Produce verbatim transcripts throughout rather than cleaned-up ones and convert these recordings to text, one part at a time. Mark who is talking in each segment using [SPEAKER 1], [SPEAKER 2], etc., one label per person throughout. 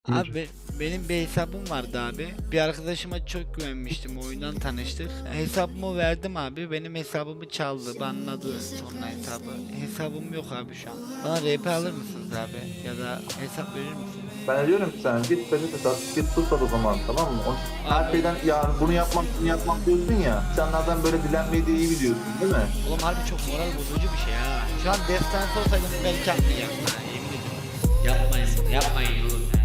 [SPEAKER 1] Abi be- benim bir hesabım vardı abi. Bir arkadaşıma çok güvenmiştim. Oyundan tanıştık. Hesabımı verdim abi. Benim hesabımı çaldı. Banladı sonra hesabı. Hesabım yok abi şu an. Bana R P alır mısınız abi? Ya da hesap verir misiniz?
[SPEAKER 2] Ben diyorum ki sen git peçete sat, git su sat o zaman, tamam mı? O, her
[SPEAKER 1] Abi.
[SPEAKER 2] şeyden ya bunu yapmak bunu yapmak diyorsun ya. İnsanlardan böyle dilenmeyi de iyi biliyorsun değil mi?
[SPEAKER 1] Oğlum harbi çok moral bozucu bir şey ha. Şu an destansı olsaydım belki yapmayacaktım ha. Yemin ediyorum. Yapmayın bunu, yapmayın oğlum ya.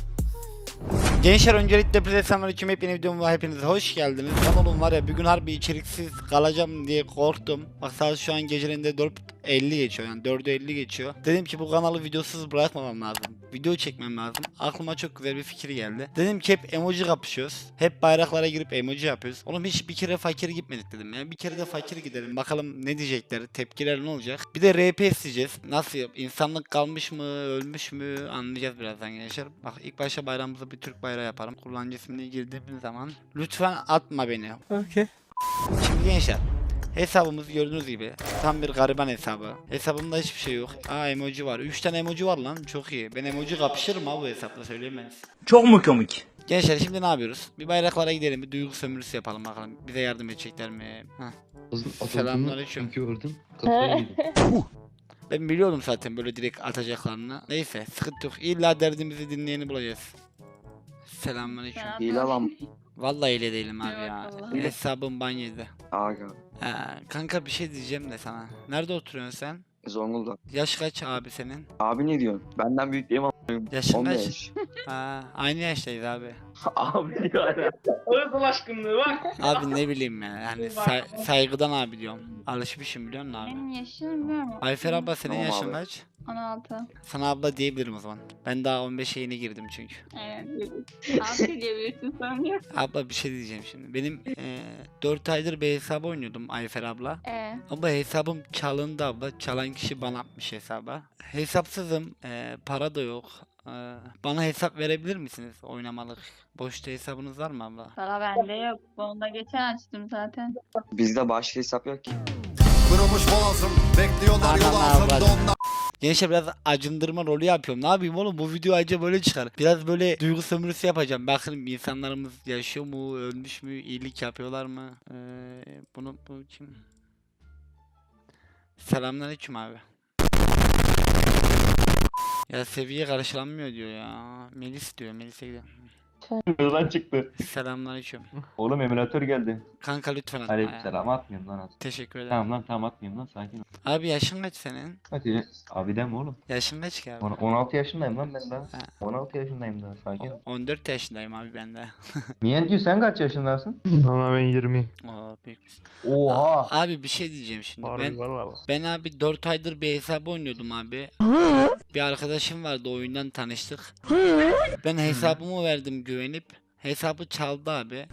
[SPEAKER 1] Gençler öncelikle hepinize selamünaleyküm. Hepiniz videoma hepiniz hoş geldiniz. Lan oğlum var ya bir gün harbi içeriksiz kalacağım diye korktum. Bak saat şu an gecelerinde dört elli geçiyor, yani dördü elli geçiyor. Dedim ki bu kanalı videosuz bırakmamam lazım. Video çekmem lazım. Aklıma çok güzel bir fikir geldi. Dedim ki hep emoji kapışıyoruz. Hep bayraklara girip emoji yapıyoruz. Oğlum hiç bir kere fakir gitmedik dedim ya. Bir kere de fakir gidelim. Bakalım ne diyecekler, tepkiler ne olacak. Bir de R P isteyeceğiz. Nasıl yap? İnsanlık kalmış mı, ölmüş mü anlayacağız birazdan gençler. Bak ilk başta bayrağımızı bir Türk bayrağı yaparım. Kullanıcı ismini girdiğimiz zaman lütfen atma beni.
[SPEAKER 3] Okay.
[SPEAKER 1] Şimdi gençler, hesabımız gördüğünüz gibi tam bir gariban hesabı. Hesabımda hiçbir şey yok. Aa emoji var. üç tane emoji var lan. Çok iyi. Ben emoji kapışırım ha bu hesapla, söyleyeyim ben size.
[SPEAKER 3] Çok mu komik?
[SPEAKER 1] Gençler şimdi ne yapıyoruz? Bir bayraklara gidelim. Bir duygu sömürüsü yapalım bakalım. Bize yardım edecekler mi? Heh. Selamünaleyküm.
[SPEAKER 4] Gördüm. Kafaya yedim.
[SPEAKER 1] Ben biliyordum zaten böyle direkt atacaklarını. Neyse sıkıntı yok. İlla derdimizi dinleyeni bulacağız. Selamünaleyküm.
[SPEAKER 4] Hile lan.
[SPEAKER 1] Vallahi öyle değilim abi ya.
[SPEAKER 5] Eyvallah.
[SPEAKER 1] Hesabım banyede.
[SPEAKER 4] Aga.
[SPEAKER 1] Ha, kanka bir şey diyeceğim de sana. Nerede oturuyorsun sen?
[SPEAKER 4] Zonguldak.
[SPEAKER 1] Yaş kaç abi senin?
[SPEAKER 4] Abi ne diyorsun? Benden büyük değil mi?
[SPEAKER 1] Yaşın kaç?
[SPEAKER 4] on beş.
[SPEAKER 1] Ha, aynı yaştayız abi.
[SPEAKER 4] Abi yani.
[SPEAKER 5] Ağız aşkınlığı bak.
[SPEAKER 1] Abi ne bileyim ya. Yani say- saygıdan abi diyorum. Alışmışım biliyor musun abi?
[SPEAKER 5] Benim yaşım bilmiyorum.
[SPEAKER 1] Ayfer abla senin
[SPEAKER 4] Tamam
[SPEAKER 1] yaşın
[SPEAKER 4] abi.
[SPEAKER 1] kaç?
[SPEAKER 5] on altı.
[SPEAKER 1] Sana abla diyebilirim o zaman. Ben daha on beşe yeni girdim çünkü.
[SPEAKER 5] Evet. altı diyebilirsin sanıyor.
[SPEAKER 1] Abla bir şey diyeceğim şimdi. Benim eee dört aydır bir hesabı oynuyordum Ayfer abla.
[SPEAKER 5] Ee,
[SPEAKER 1] Ama hesabım çalındı abla. Çalan kişi bana atmış hesaba. Hesapsızım. eee, para da yok. Eee, bana hesap verebilir misiniz oynamalık? Boşta hesabınız var mı abla?
[SPEAKER 5] para bende yok. Onu da geçen açtım zaten.
[SPEAKER 4] Bizde başka hesap yok ki.
[SPEAKER 6] Kırılmış boğazım, bekliyorlar yol
[SPEAKER 1] Anam
[SPEAKER 6] altında
[SPEAKER 1] avradım.
[SPEAKER 6] onlar.
[SPEAKER 1] Gençler biraz acındırma rolü yapıyorum. Ne yapayım oğlum, bu video ayrıca böyle çıkar. Biraz böyle duygu sömürüsü yapacağım. Bakın insanlarımız yaşıyor mu, ölmüş mü, iyilik yapıyorlar mı? Ee, bunu bu kim? Selamünaleyküm abi. Ya seviye karşılanmıyor diyor ya. Melis diyor. Melis'e gidelim.
[SPEAKER 2] Buradan çıktı.
[SPEAKER 1] Selamünaleyküm.
[SPEAKER 2] Oğlum emülatör geldi.
[SPEAKER 1] Kanka lütfen atma ya.
[SPEAKER 2] Aleykümselam, atmıyorum lan az.
[SPEAKER 1] Teşekkür ederim.
[SPEAKER 2] Tamam lan, tamam atmıyorum lan, sakin ol.
[SPEAKER 1] Abi yaşın kaç senin?
[SPEAKER 2] Hadi abi deme oğlum.
[SPEAKER 1] Yaşın kaç ki abi?
[SPEAKER 2] On- 16 yaşındayım lan ben daha.
[SPEAKER 1] Ha.
[SPEAKER 2] on altı yaşındayım daha, sakin ol.
[SPEAKER 1] on dört yaşındayım abi ben de.
[SPEAKER 2] Niye sen kaç yaşındasın?
[SPEAKER 3] Valla ben yirmi.
[SPEAKER 1] Oo, büyük misin?
[SPEAKER 2] Oha.
[SPEAKER 1] Abi bir şey diyeceğim şimdi. Ben
[SPEAKER 3] valla.
[SPEAKER 1] ben abi dört aydır bir hesabı oynuyordum abi. Bir arkadaşım vardı, oyundan tanıştık. Ben hesabımı verdim güvenip. Hesabı çaldı abi.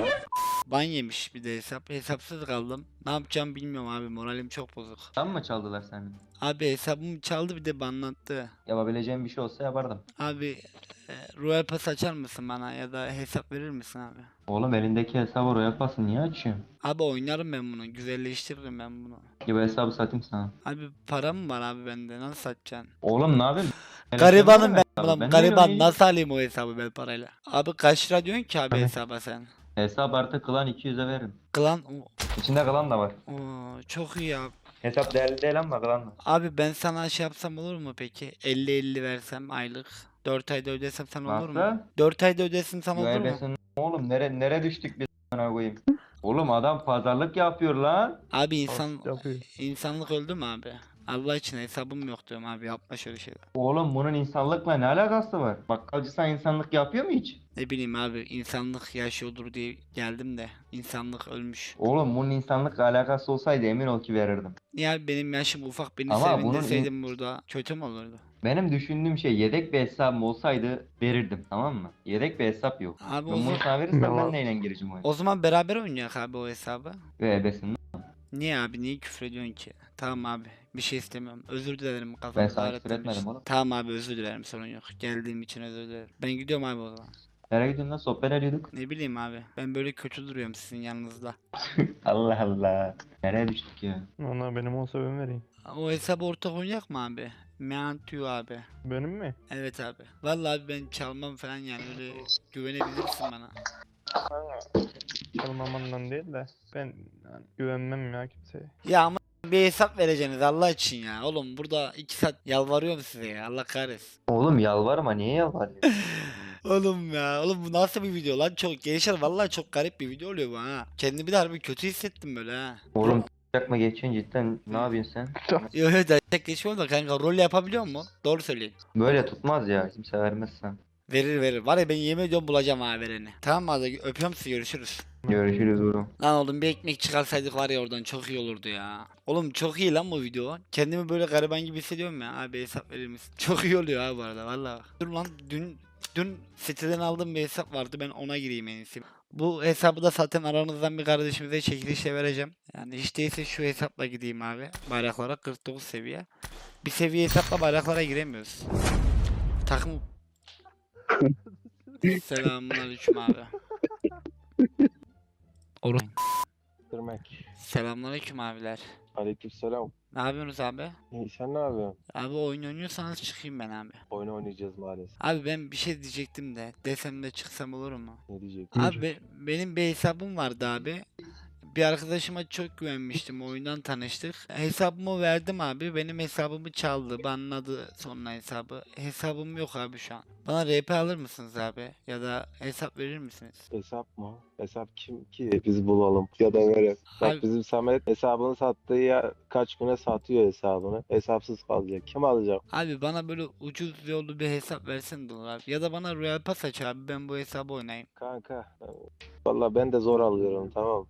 [SPEAKER 1] Ban yemiş bir de hesap. Hesapsız kaldım. Ne yapacağım bilmiyorum abi. Moralim çok bozuk.
[SPEAKER 2] Sen mi çaldılar senin?
[SPEAKER 1] Abi hesabımı çaldı bir de banlattı.
[SPEAKER 2] Yapabileceğim bir şey olsa yapardım.
[SPEAKER 1] Abi e, Royal Pass açar mısın bana ya da hesap verir misin abi?
[SPEAKER 2] Oğlum elindeki hesabı oraya yapasın, niye açıyorsun?
[SPEAKER 1] Abi oynarım ben bunu. Güzelleştiririm ben bunu.
[SPEAKER 2] Ya bu hesabı satayım sana.
[SPEAKER 1] Abi param mı var abi bende? Nasıl satacaksın?
[SPEAKER 2] Oğlum ne yapayım?
[SPEAKER 1] Garibanım ben.
[SPEAKER 2] Hesabı,
[SPEAKER 1] Ulan
[SPEAKER 2] ben
[SPEAKER 1] gariban
[SPEAKER 2] öyle oynayayım.
[SPEAKER 1] nasıl alayım o hesabı ben parayla? Abi kaç lira diyorsun ki abi
[SPEAKER 2] Abi.
[SPEAKER 1] hesaba sen?
[SPEAKER 2] Hesap artı klan iki yüze veririm.
[SPEAKER 1] Klan
[SPEAKER 2] İçinde klan da var.
[SPEAKER 1] Oo, çok iyi abi.
[SPEAKER 2] Hesap değerli değil ama klan da.
[SPEAKER 1] Abi ben sana şey yapsam olur mu peki? elli elli versem aylık. dört ayda ödesem sana olur mu?
[SPEAKER 2] Nasıl?
[SPEAKER 1] dört ayda ödesin sana olur mu?
[SPEAKER 2] Güvenbesin. Oğlum nere nere düştük biz sana koyayım. Oğlum adam pazarlık yapıyor lan.
[SPEAKER 1] Abi insan
[SPEAKER 3] Yapıyor.
[SPEAKER 1] insanlık öldü mü abi? Allah için hesabım yok diyorum abi, yapma şöyle şeyler.
[SPEAKER 2] Oğlum bunun insanlıkla ne alakası var? Bakkalcı sen insanlık yapıyor mu hiç?
[SPEAKER 1] Ne bileyim abi, insanlık yaşıyordur diye geldim de insanlık ölmüş.
[SPEAKER 2] Oğlum bunun insanlıkla alakası olsaydı emin ol ki verirdim.
[SPEAKER 1] Niye abi, benim yaşım ufak, beni
[SPEAKER 2] Ama bunun
[SPEAKER 1] sevindirseydin burada kötü mü olurdu?
[SPEAKER 2] Benim düşündüğüm şey yedek bir hesabım olsaydı verirdim, tamam mı? Yedek bir hesap yok.
[SPEAKER 1] Abi o
[SPEAKER 2] Ben bunu
[SPEAKER 1] zaman,
[SPEAKER 2] sana verirsem ben
[SPEAKER 3] Yalan.
[SPEAKER 2] neyle gireceğim oyuna?
[SPEAKER 1] o zaman beraber oynayak abi o hesabı.
[SPEAKER 2] Ve ebesinde.
[SPEAKER 1] Niye abi, niye küfür ediyorsun ki? Tamam abi, bir şey istemiyorum. Özür dilerim
[SPEAKER 2] Ben
[SPEAKER 1] kafamı
[SPEAKER 2] sana
[SPEAKER 1] ağrıttığım
[SPEAKER 2] küfür etmedim
[SPEAKER 1] için.
[SPEAKER 2] oğlum.
[SPEAKER 1] Tamam abi, özür dilerim, sorun yok. Geldiğim için özür dilerim. Ben gidiyorum abi o zaman.
[SPEAKER 2] Nereye gidiyorsun lan? Sohbet ediyorduk.
[SPEAKER 1] Ne bileyim abi, ben böyle kötü duruyorum sizin yanınızda.
[SPEAKER 2] Allah Allah. Nereye düştük ya?
[SPEAKER 3] Valla benim olsa ben vereyim.
[SPEAKER 1] O hesabı ortak oynayak mı abi? Meantu abi.
[SPEAKER 3] Benim mi?
[SPEAKER 1] Evet abi. Vallahi abi ben çalmam falan yani öyle güvenebilirsin bana.
[SPEAKER 3] Çalmamandan değil de ben yani güvenmem ya kimseye.
[SPEAKER 1] Ya ama bir hesap vereceksiniz Allah için ya. Oğlum burada iki saat yalvarıyorum size ya. Allah kahretsin.
[SPEAKER 2] Oğlum yalvarma, niye yalvarıyorsun?
[SPEAKER 1] Oğlum ya. Oğlum bu nasıl bir video lan? Çok gençler vallahi çok garip bir video oluyor bu ha. Kendimi de harbi kötü hissettim böyle ha.
[SPEAKER 2] Oğlum yapma geçiyorsun cidden, ne yapıyorsun sen?
[SPEAKER 1] Yok yok da tek geçmiyorum da kanka rol yapabiliyor mu? Doğru söyleyin.
[SPEAKER 2] Böyle tutmaz ya, kimse vermez sen.
[SPEAKER 1] Verir verir. Var ya ben yemin ediyorum bulacağım ha vereni. Tamam mı hadi öpüyorum sizi görüşürüz.
[SPEAKER 2] Görüşürüz oğlum.
[SPEAKER 1] Lan oğlum bir ekmek çıkarsaydık var ya oradan çok iyi olurdu ya. Oğlum çok iyi lan bu video. Kendimi böyle gariban gibi hissediyorum ya. Abi hesap verir misin? Çok iyi oluyor ha bu arada valla. Dur lan dün dün siteden aldığım bir hesap vardı ben ona gireyim en iyisi. Bu hesabı da zaten aranızdan bir kardeşimize çekilişe vereceğim. Yani hiç değilse şu hesapla gideyim abi. Bayraklara kırk dokuz seviye. Bir seviye hesapla bayraklara giremiyoruz. Takım. Selamünaleyküm abi. Oğlum.
[SPEAKER 7] Demek.
[SPEAKER 1] Selamünaleyküm abiler.
[SPEAKER 7] Aleykümselam.
[SPEAKER 1] Ne yapıyorsunuz abi?
[SPEAKER 7] İyi, sen ne yapıyorsun?
[SPEAKER 1] Abi oyun oynuyorsanız çıkayım ben abi.
[SPEAKER 7] Oyun oynayacağız maalesef.
[SPEAKER 1] Abi ben bir şey diyecektim de desem de çıksam olur mu?
[SPEAKER 7] Ne diyecek?
[SPEAKER 1] Abi be- benim bir hesabım vardı abi. Bir arkadaşıma çok güvenmiştim. Oyundan tanıştık. Hesabımı verdim abi. Benim hesabımı çaldı. Banladı sonra hesabı. Hesabım yok abi şu an. Bana R P alır mısınız abi? Ya da hesap verir misiniz?
[SPEAKER 7] Hesap mı? Hesap kim ki? Biz bulalım ya da verelim. Bak
[SPEAKER 1] Abi-
[SPEAKER 7] bizim Samet hesabını sattığı ya kaç güne satıyor hesabını. Hesapsız kalacak. Kim alacak?
[SPEAKER 1] Abi bana böyle ucuz yollu bir hesap versen de olur abi. Ya da bana Royal Pass aç abi. Ben bu hesabı oynayayım.
[SPEAKER 7] Kanka. Valla ben de zor alıyorum, tamam.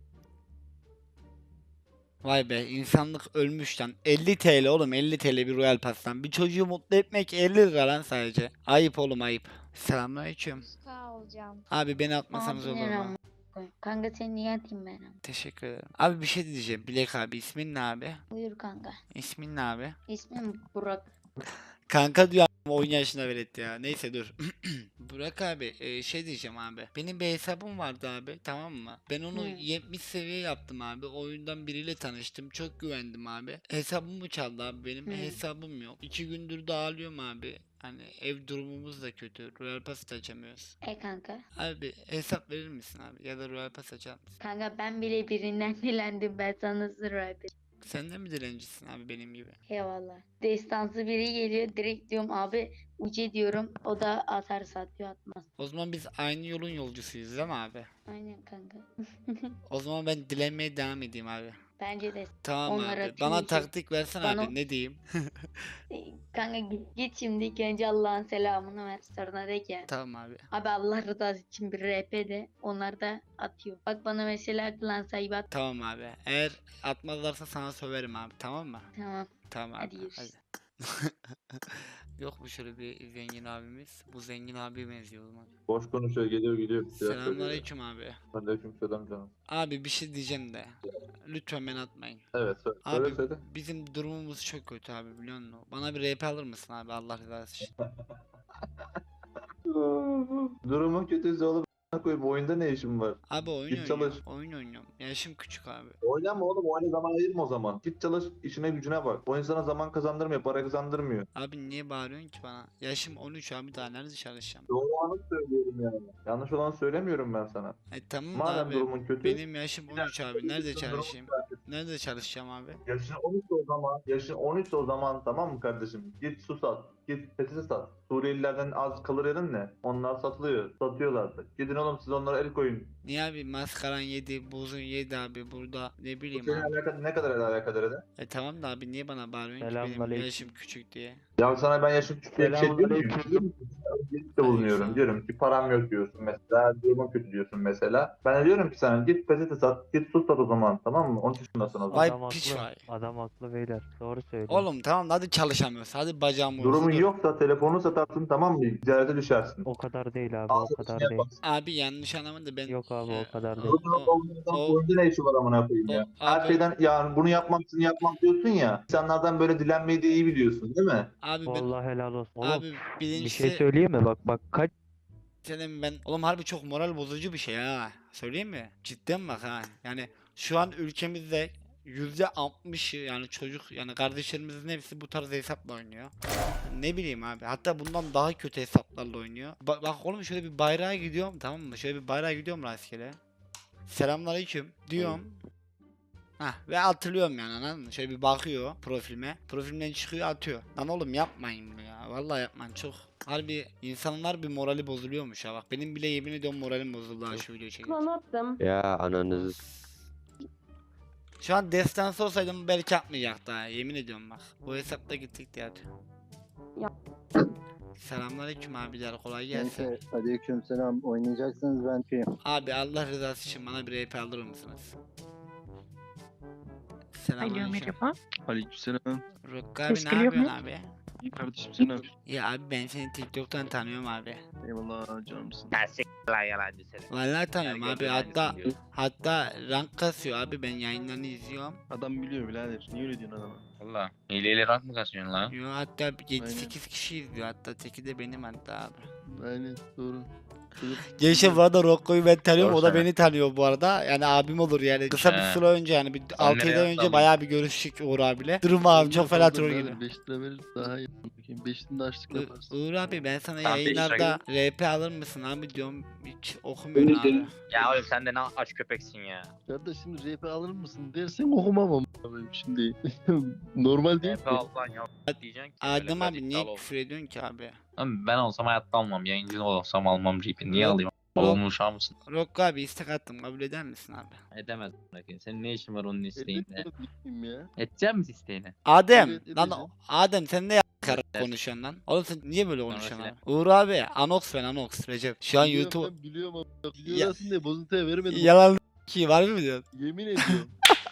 [SPEAKER 1] Vay be insanlık ölmüş lan. elli T L oğlum elli T L bir Royal Pass'tan. Bir çocuğu mutlu etmek elli lira lan sadece. Ayıp oğlum ayıp. Selamünaleyküm.
[SPEAKER 8] Sağ ol canım.
[SPEAKER 1] Abi beni atmasanız olur
[SPEAKER 8] Abilerim
[SPEAKER 1] mu?
[SPEAKER 8] amına koyayım. Kanka seni niye atayım ben ama?
[SPEAKER 1] Teşekkür ederim. Abi bir şey diyeceğim. Bilek abi ismin ne abi?
[SPEAKER 8] Buyur kanka.
[SPEAKER 1] İsmin ne abi?
[SPEAKER 8] İsmim Burak.
[SPEAKER 1] Kanka diyor ama on yaşına velet ya. Neyse dur. Burak abi e, şey diyeceğim abi. Benim bir hesabım vardı abi tamam mı? Ben onu
[SPEAKER 8] Hı.
[SPEAKER 1] yetmiş seviye yaptım abi. Oyundan biriyle tanıştım. Çok güvendim abi. Hesabımı çaldı abi. Benim
[SPEAKER 8] Hı.
[SPEAKER 1] hesabım yok. İki gündür dağılıyorum abi. Hani ev durumumuz da kötü. Royal Pass da açamıyoruz.
[SPEAKER 8] E kanka.
[SPEAKER 1] Abi hesap verir misin abi? Ya da Royal Pass açar mısın?
[SPEAKER 8] Kanka ben bile birinden dilendim, ben sana sır verdim.
[SPEAKER 1] Sen de mi dilencisin abi benim gibi?
[SPEAKER 8] Eyvallah. Destansı biri geliyor, direkt diyorum abi uce diyorum, o da atar satıyor atmaz.
[SPEAKER 1] O zaman biz aynı yolun yolcusuyuz değil mi abi?
[SPEAKER 8] Aynen kanka.
[SPEAKER 1] O zaman ben dilenmeye devam edeyim abi.
[SPEAKER 8] Bence de.
[SPEAKER 1] Tamam
[SPEAKER 8] Onlar
[SPEAKER 1] abi.
[SPEAKER 8] atıyor
[SPEAKER 1] Bana
[SPEAKER 8] işte.
[SPEAKER 1] taktik versene
[SPEAKER 8] Bana-
[SPEAKER 1] abi. Ne diyeyim?
[SPEAKER 8] E, Kanka git, git şimdi ilk önce Allah'ın selamını ver, sonra de ki
[SPEAKER 1] Tamam abi.
[SPEAKER 8] abi Allah rızası için bir R P de, onlar da atıyor. Bak bana mesela klan sahibi at.
[SPEAKER 1] Tamam abi. Eğer atmazlarsa sana söverim abi. Tamam mı?
[SPEAKER 8] Tamam.
[SPEAKER 1] Tamam
[SPEAKER 8] Hadi
[SPEAKER 1] abi.
[SPEAKER 8] görüşürüz.
[SPEAKER 1] Yok mu şöyle bir zengin abimiz? Bu zengin abi benziyor o zaman.
[SPEAKER 9] Boş konuşuyor, geliyor gidiyor.
[SPEAKER 1] Selamünaleyküm abi.
[SPEAKER 9] Aleykümselam canım.
[SPEAKER 1] Abi bir şey diyeceğim de. Lütfen beni atmayın.
[SPEAKER 9] Evet söyle.
[SPEAKER 1] Abi
[SPEAKER 9] Söyle söyle.
[SPEAKER 1] bizim durumumuz çok kötü abi biliyor musun? Bana bir R P alır mısın abi Allah rızası için?
[SPEAKER 9] Durumun kötüyse oğlum a**ına koyayım, oyunda ne işin var?
[SPEAKER 1] Abi oyun
[SPEAKER 9] Git
[SPEAKER 1] oynuyorum.
[SPEAKER 9] çalış.
[SPEAKER 1] Oyun oynuyorum. Yaşım küçük abi.
[SPEAKER 9] Oynama oğlum, oyuna zaman ayırma o zaman. Git çalış, işine gücüne bak. Oyun sana zaman kazandırmıyor, para kazandırmıyor.
[SPEAKER 1] Abi niye bağırıyorsun ki bana? Yaşım on üç abi daha nerede çalışacağım?
[SPEAKER 9] Doğru olanı söylüyorum yani. Yanlış olanı söylemiyorum ben sana.
[SPEAKER 1] E tamam da
[SPEAKER 9] Madem
[SPEAKER 1] abi.
[SPEAKER 9] durumun kötü.
[SPEAKER 1] Benim yaşım on üç abi. Nerede çalışayım? Nerede çalışacağım abi?
[SPEAKER 9] Yaşın on üç o zaman, yaşın on üç o zaman, tamam mı kardeşim? Git su sat, git patates sat. Suriyelilerden az kalır yerin ne? Onlar satılıyor, satıyorlardı. Gidin oğlum siz onlara el koyun.
[SPEAKER 1] Niye abi maskaran yedi, buzun yedi abi burada ne
[SPEAKER 9] Bu
[SPEAKER 1] bileyim
[SPEAKER 9] senin
[SPEAKER 1] abi.
[SPEAKER 9] alakalı, ne kadar alakadar eder?
[SPEAKER 1] E tamam da abi niye bana bağırıyorsun ki benim
[SPEAKER 3] Selamünaleyküm.
[SPEAKER 1] yaşım küçük diye.
[SPEAKER 9] Ya sana ben yaşım küçük diye bir şey diyor muyum?
[SPEAKER 3] Selamünaleyküm.
[SPEAKER 9] Diyor musun? Öncelikle bulunuyorum. Diyorum ki param yok diyorsun mesela. Durumun kötü diyorsun mesela. Ben de diyorum ki sana git peçete sat, git su sat o zaman, tamam mı? on üç yaşındasın o zaman.
[SPEAKER 1] Vay
[SPEAKER 3] Adam
[SPEAKER 1] piç
[SPEAKER 3] haklı.
[SPEAKER 1] vay.
[SPEAKER 3] Adam haklı beyler. Doğru söylüyor.
[SPEAKER 1] Oğlum tamam hadi çalışamıyoruz. Hadi bacağım uyusun.
[SPEAKER 9] Durumun
[SPEAKER 1] dur.
[SPEAKER 9] yoksa telefonu satarsın, tamam mı? Ticarete düşersin.
[SPEAKER 3] O kadar değil abi,
[SPEAKER 9] Al
[SPEAKER 3] o kadar
[SPEAKER 9] satışını
[SPEAKER 3] değil.
[SPEAKER 9] yaparsın.
[SPEAKER 1] Abi yanlış anlama da ben...
[SPEAKER 3] Yok abi,
[SPEAKER 1] e,
[SPEAKER 3] o kadar değil.
[SPEAKER 9] Durumun
[SPEAKER 1] o-
[SPEAKER 9] olmadan
[SPEAKER 1] o-
[SPEAKER 9] oyunda ne işi var amına koyayım
[SPEAKER 1] o-
[SPEAKER 9] ya? Her
[SPEAKER 1] abi-
[SPEAKER 9] şeyden ya bunu yapmam şunu yapmam diyorsun ya. İnsanlardan böyle dilenmeyi de iyi biliyorsun değil mi?
[SPEAKER 1] Abi ben...
[SPEAKER 3] Vallahi helal olsun. Oğlum
[SPEAKER 1] Abi
[SPEAKER 3] bir
[SPEAKER 1] birincisi...
[SPEAKER 3] şey söyleyeyim mi? Bak bak kaç
[SPEAKER 1] Senin ben... Oğlum harbi çok moral bozucu bir şey ha. Söyleyeyim mi? Cidden bak ha. Yani şu an ülkemizde yüzde altmışı yani çocuk yani kardeşlerimizin hepsi bu tarz hesapla oynuyor. Ne bileyim abi. Hatta bundan daha kötü hesaplarla oynuyor. Ba- bak oğlum şöyle bir bayrağa gidiyorum tamam mı? Şöyle bir bayrağa gidiyorum rastgele. Selamünaleyküm diyorum. Hah ve hatırlıyorum yani anladın mı? Şöyle bir bakıyor profilime. Profilimden çıkıyor atıyor. Lan oğlum yapmayın bunu ya. Vallahi yapmayın çok. Harbi insanlar bir morali bozuluyormuş ha bak. Benim bile yemin ediyorum moralim bozuldu ha şu videoyu çekince.
[SPEAKER 10] attım.
[SPEAKER 7] Ya ananızı
[SPEAKER 1] Şu an destansı olsaydım belki atmayacaktı ha yemin ediyorum bak. Bu hesapta gittik diye atıyor.
[SPEAKER 10] Ya.
[SPEAKER 1] Selamünaleyküm abiler kolay gelsin.
[SPEAKER 7] aleykümselam oynayacaksınız ben şeyim.
[SPEAKER 1] Abi Allah rızası için bana bir R P alır mısınız? Selamünaleyküm.
[SPEAKER 11] Aleykümselam.
[SPEAKER 1] Rukka abi
[SPEAKER 10] Ses
[SPEAKER 1] ne
[SPEAKER 10] geliyor mu?
[SPEAKER 1] yapıyorsun abi?
[SPEAKER 11] İyi kardeşim sen ne yapıyorsun?
[SPEAKER 1] Ya abi ben seni TikTok'tan tanıyorum abi.
[SPEAKER 11] Eyvallah canımsın.
[SPEAKER 1] Vallahi tanıyorum abi hatta hatta rank kasıyor abi ben yayınlarını izliyorum.
[SPEAKER 11] Adam biliyor birader. Niye öyle diyorsun adama?
[SPEAKER 4] Valla. Hileyle rank mı kasıyorsun lan?
[SPEAKER 1] Yo hatta yedi
[SPEAKER 11] Aynen.
[SPEAKER 1] sekiz kişi izliyor hatta teki de benim hatta abi.
[SPEAKER 11] Aynen doğru. Çocuk-
[SPEAKER 1] Gençler bu arada Rocco'yu ben tanıyorum o da
[SPEAKER 4] Doğru
[SPEAKER 1] beni tanıyor bu arada yani abim olur yani kısa bir
[SPEAKER 4] He.
[SPEAKER 1] süre önce yani bir altı yedi
[SPEAKER 4] nereye
[SPEAKER 1] ay önce
[SPEAKER 4] atladın?
[SPEAKER 1] bayağı bir görüştük Uğur abiyle. Durum abi çok fena
[SPEAKER 11] Fazla
[SPEAKER 1] troll
[SPEAKER 11] birader,
[SPEAKER 1] gibi.
[SPEAKER 11] beş lira verir daha iyi. Bakayım beş lira da açlık
[SPEAKER 1] U-
[SPEAKER 11] yaparsın.
[SPEAKER 1] Uğur abi ben sana
[SPEAKER 4] Tamam, beş lira
[SPEAKER 1] yayınlarda R P alır mısın abi diyorum hiç okumuyorsun abi.
[SPEAKER 4] Ya oğlum sen de ne aç köpeksin ya.
[SPEAKER 11] Kardeş şimdi R P alır mısın dersen okumam ama benim şimdi. Normal değil
[SPEAKER 4] R
[SPEAKER 11] ki.
[SPEAKER 4] P al lan ya diyeceksin ki.
[SPEAKER 1] Adem
[SPEAKER 4] böyle
[SPEAKER 1] abi niye
[SPEAKER 4] iddialı ol.
[SPEAKER 1] küfür ediyorsun ki abi?
[SPEAKER 4] Lan ben olsam hayatta almam. Yayıncı olsam almam G P. Niye
[SPEAKER 1] Yok.
[SPEAKER 4] alayım? Babamın uşağı mısın?
[SPEAKER 1] Rocco abi istek attım kabul eder misin abi?
[SPEAKER 4] Edemez. Senin ne işin var onun isteğinde?
[SPEAKER 11] Evet, bunu ya.
[SPEAKER 4] Edecek misin isteğini?
[SPEAKER 1] Adem
[SPEAKER 11] Evet,
[SPEAKER 1] lan
[SPEAKER 11] edeceğim.
[SPEAKER 1] Adem sen ne yakarıp
[SPEAKER 4] Evet.
[SPEAKER 1] konuşuyorsun lan? Oğlum sen niye böyle
[SPEAKER 4] Sonra
[SPEAKER 1] konuşuyorsun
[SPEAKER 4] söyle.
[SPEAKER 1] abi? Uğur abi Anox ben Anox Recep. Şu an
[SPEAKER 11] Biliyorum
[SPEAKER 1] YouTube
[SPEAKER 11] ben, biliyorum ama.
[SPEAKER 1] Ya-
[SPEAKER 11] Biliyorsun diye bozuntuya vermedim.
[SPEAKER 1] yalan ki var mı diyorsun?
[SPEAKER 11] Yemin ediyorum.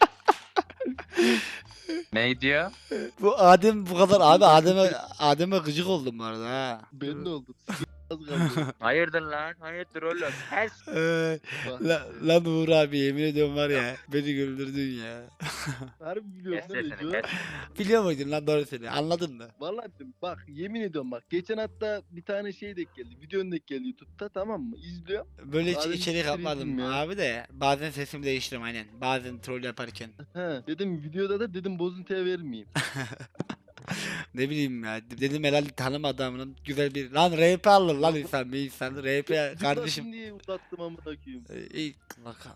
[SPEAKER 4] Ne diyor?
[SPEAKER 1] Bu Adem bu kadar abi Adem'e Adem'e gıcık oldum bu arada ha.
[SPEAKER 11] Ben de oldum. Az kaldı.
[SPEAKER 4] Hayırdır lan? Hayırdır oğlum? Her
[SPEAKER 1] Ee,
[SPEAKER 11] Bak,
[SPEAKER 1] la, lan Uğur abi yemin ediyorum var ya beni güldürdün ya.
[SPEAKER 11] harbi biliyorum
[SPEAKER 4] Kes
[SPEAKER 11] değil mi?
[SPEAKER 4] sesini
[SPEAKER 11] Joe?
[SPEAKER 4] kes.
[SPEAKER 1] Biliyor muydun lan doğru söyle anladın mı?
[SPEAKER 11] Vallahi bak yemin ediyorum bak geçen hatta bir tane şey denk geldi. Videon denk geldi YouTube'da tamam mı? İzliyorum.
[SPEAKER 1] Böyle hiç
[SPEAKER 11] Adem
[SPEAKER 1] içerik
[SPEAKER 11] siktir
[SPEAKER 1] yapmadım
[SPEAKER 11] ettim ya.
[SPEAKER 1] abi de bazen sesimi değiştiriyorum aynen bazen troll yaparken.
[SPEAKER 11] He dedim videoda da dedim bozuntuya vermeyeyim.
[SPEAKER 1] Ne bileyim ya dedim herhalde tanım adamının güzel bir lan R P alır lan insan bir insan R P kardeşim.
[SPEAKER 11] Zıplasın diye uzattım amına koyayım.
[SPEAKER 1] Ee, İyi bakalım.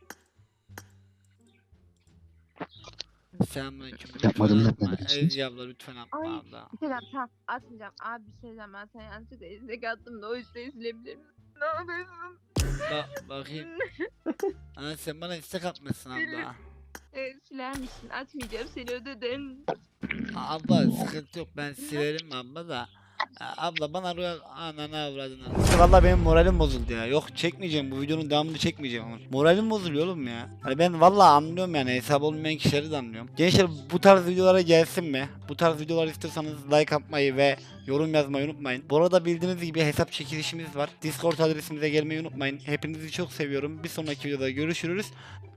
[SPEAKER 1] Selamünaleyküm.
[SPEAKER 7] Yapmadım,
[SPEAKER 1] Lütfen
[SPEAKER 7] yapmadım.
[SPEAKER 1] atma. Ezgi abla lütfen atma
[SPEAKER 10] Ay.
[SPEAKER 1] abla.
[SPEAKER 10] Bir şey diyeceğim, tamam atmayacağım. Abi bir şey diyeceğim, ben sana yanlışlıkla izlek attım da o yüzden izleyebilir miyim? Ne yapıyorsun?
[SPEAKER 1] Bak bakayım. Ana sen bana istek atmışsın abla.
[SPEAKER 10] Evet, siler misin? Atmayacağım, seni ödedim.
[SPEAKER 1] Abla sıkıntı yok ben silerim abla da. Ya Abla bana rüya ananı avradını. Valla benim moralim bozuldu ya. Yok çekmeyeceğim bu videonun devamını çekmeyeceğim. Moralim bozuluyor oğlum ya. Hani ben valla anlıyorum yani hesap olmayan kişileri de anlıyorum. Gençler bu tarz videolara gelsin mi? Bu tarz videolar istiyorsanız like atmayı ve yorum yazmayı unutmayın. Bu arada bildiğiniz gibi hesap çekilişimiz var. Discord adresimize gelmeyi unutmayın. Hepinizi çok seviyorum. Bir sonraki videoda görüşürüz.